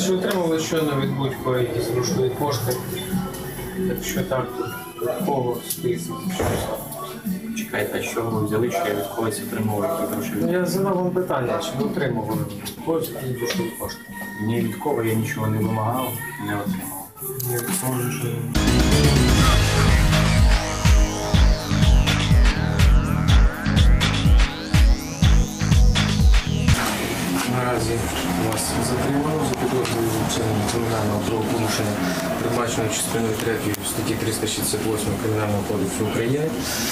Чи отримали щойно від будь-кого якісь грошові кошти? Якщо так, то кого список? Чекайте, а що ви взяли, що я від когось отримував які грошові? Я задав вам питання, чи ви отримували від когось якісь грошові кошти? Ні від кого я нічого не вимагав, не отримав. Я відповідаю, що наразі вас затримано за підозрою вчинення кримінального правопорушення, передбаченого частиною 3 статті 368 Кримінального кодексу України.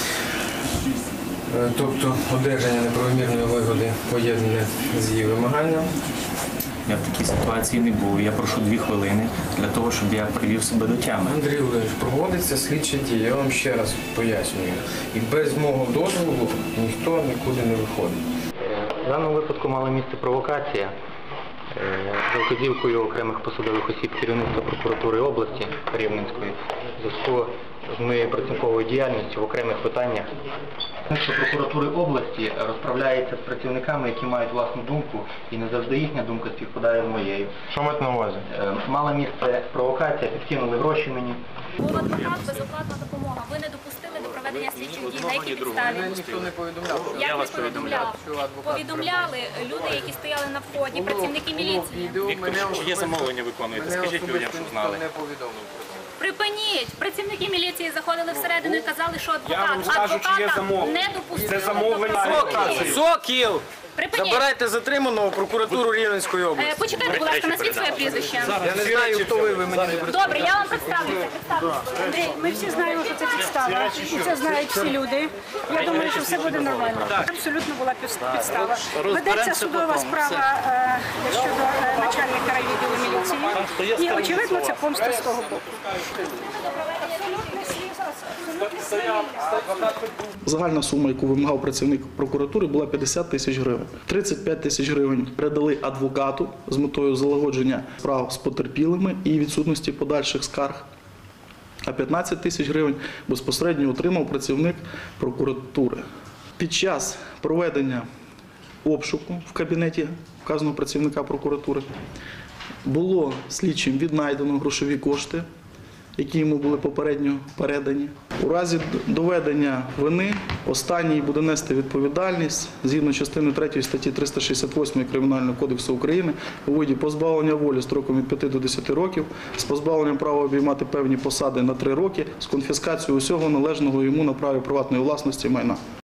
Тобто одержання неправомірної вигоди поєднане з її вимаганням. Я в такій ситуації не був. Я прошу 2 хвилини для того, щоб я привів себе до тями. Андрій Володимирович, проводиться слідчі дії, я вам ще раз пояснюю. І без мого дозволу ніхто нікуди не виходить. В даному випадку мала місце провокація за вказівкою окремих посадових осіб керівництва прокуратури області Рівненської в зв'язку з моєю працівниковою діяльністю в окремих питаннях. Керівництво прокуратури області розправляється з працівниками, які мають власну думку, і не завжди їхня думка співпадає з моєю. Що маєте на увазі? Мала місце провокація, підкинули гроші мені. Був адвокат, безоплатна допомога. Ви не допустили до проведення слідчих дій. На якій підставі? Ніхто не повідомляв. Як не повідомляв? Повідомляли люди, які стояли на вході, працівники міліції. Віктор, чи є замовлення виконуєте? Скажіть людям, щоб знали. Припиніть! Працівники міліції заходили всередину і казали, що Я вам скажу, чи є адвоката замовлення. не допустили. Це замовлення до проведення. Сокіл! Припиніть! Забирайте затриманого в прокуратуру Рівненської області. Почекайте, будь ласка, назвіть своє прізвище. Я не знаю, хто ви мені не представляєте. Добре, я вам представлюся. Андрій, ми всі знаємо, що це підстава, і це знають всі люди. Я думаю, що все буде нормально. Абсолютно була підстава. Ведеться судова справа щодо начальника райвідділу міліції, і очевидно це помста з того боку. Загальна сума, яку вимагав працівник прокуратури, була 50 тисяч гривень. 35 тисяч гривень передали адвокату з метою залагодження справ з потерпілими і відсутності подальших скарг. А 15 тисяч гривень безпосередньо отримав працівник прокуратури. Під час проведення обшуку в кабінеті вказаного працівника прокуратури було слідчим віднайдено грошові кошти, які йому були попередньо передані. У разі доведення вини останній буде нести відповідальність згідно частини 3 статті 368 Кримінального кодексу України у виді позбавлення волі строком від 5 до 10 років, з позбавленням права обіймати певні посади на 3 роки, з конфіскацією усього належного йому на праві приватної власності майна.